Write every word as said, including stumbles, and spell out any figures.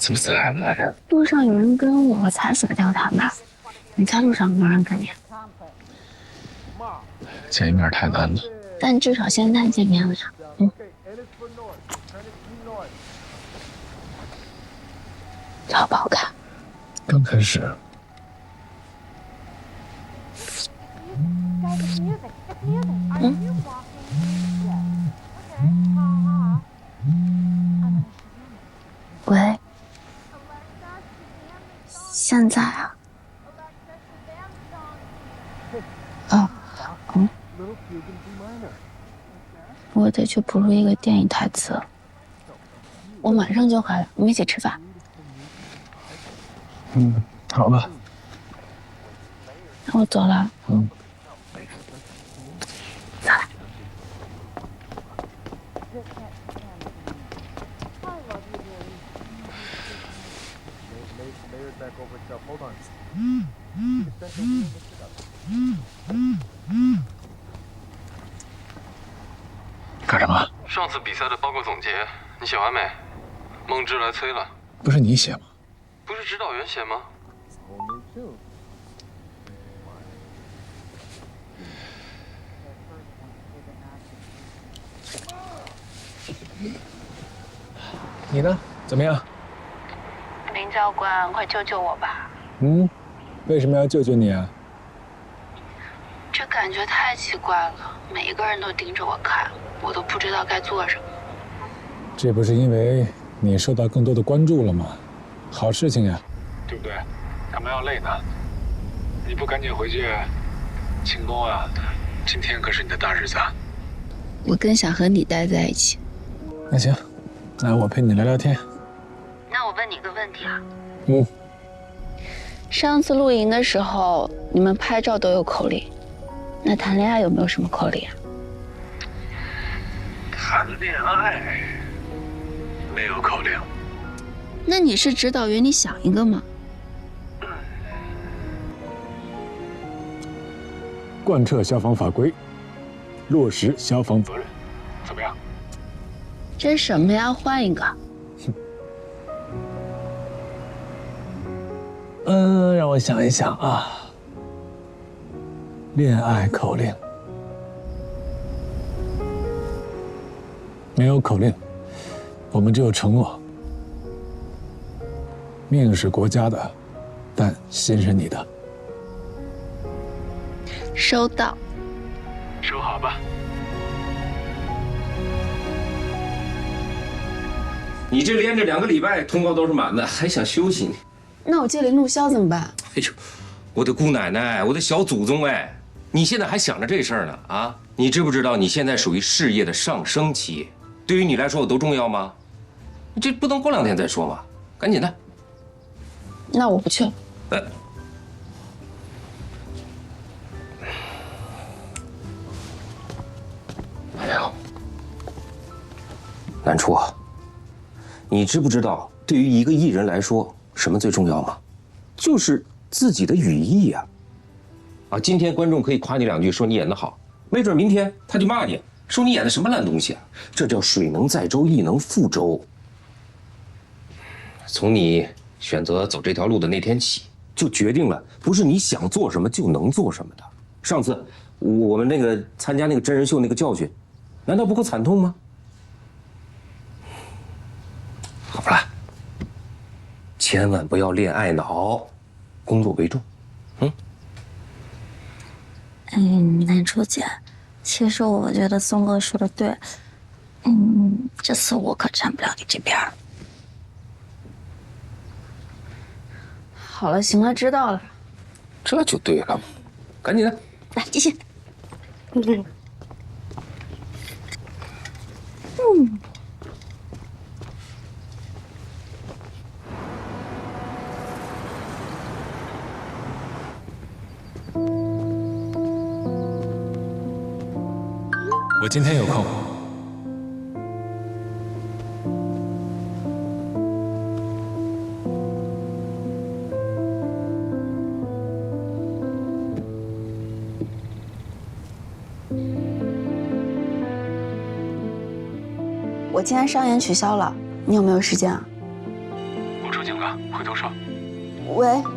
怎么才来呀？ 路上有人跟我才甩掉他吧？你猜路上有没有人跟你？ 见一面太难了， 但至少现在见面了呀。嗯。好不好看？ 刚开始。 嗯。喂。现在啊。哦。嗯。我得去补录一个电影台词，我马上就回来，我们一起吃饭。 嗯，好吧。 那我走了。 嗯。 再来。 干什么？ 上次比赛的报告总结，你写完没？孟芝来催了。 不是你写吗？ 不是指导员写吗？ 你呢？怎么样？ 林教官，快救救我吧！ 嗯，为什么要救救你啊？ 这感觉太奇怪了，每一个人都盯着我看，我都不知道该做什么。 这不是因为你受到更多的关注了吗？好事情呀，对不对？干嘛要累呢？你不赶紧回去庆功啊？今天可是你的大日子啊！ 我更想和你待在一起。 那行，那我陪你聊聊天。 那我问你个问题啊。 嗯。 上次露营的时候，你们拍照都有口令，那谈恋爱有没有什么口令啊？ 谈恋爱没有口令。 那你是指导员，你想一个吗？ 贯彻消防法规，落实消防责任，怎么样？ 这是什么呀？换一个。 嗯，让我想一想啊。恋爱口令。没有口令，我们只有承诺。命是国家的，但心是你的。 收到。 收好吧。 你这连着两个礼拜通告都是满的，还想休息呢？ 那我接连录销怎么办？ 哎呦，我的姑奶奶，我的小祖宗哎！你现在还想着这事儿呢啊？你知不知道你现在属于事业的上升期？对于你来说有多重要吗？你这不能过两天再说吗？赶紧的。 那我不去了。 呃，哎呦，南初啊，你知不知道对于一个艺人来说，什么最重要吗？就是自己的语义呀。啊，今天观众可以夸你两句，说你演得好，没准明天他就骂你，说你演的什么烂东西啊！这叫水能载舟，亦能覆舟。从你选择走这条路的那天起，就决定了不是你想做什么就能做什么的。上次我们那个参加那个真人秀那个教训，难道不够惨痛吗？好了，千万不要恋爱脑，工作为重。嗯。 嗯，南初姐，其实我觉得松哥说的对，嗯，这次我可站不了你这边。好了，行了，知道了。 这就对了，赶紧的， 来继续。嗯。嗯。 我今天有空。 我今天商演取消了，你有没有时间啊？ 我出成哥，回头说。 喂。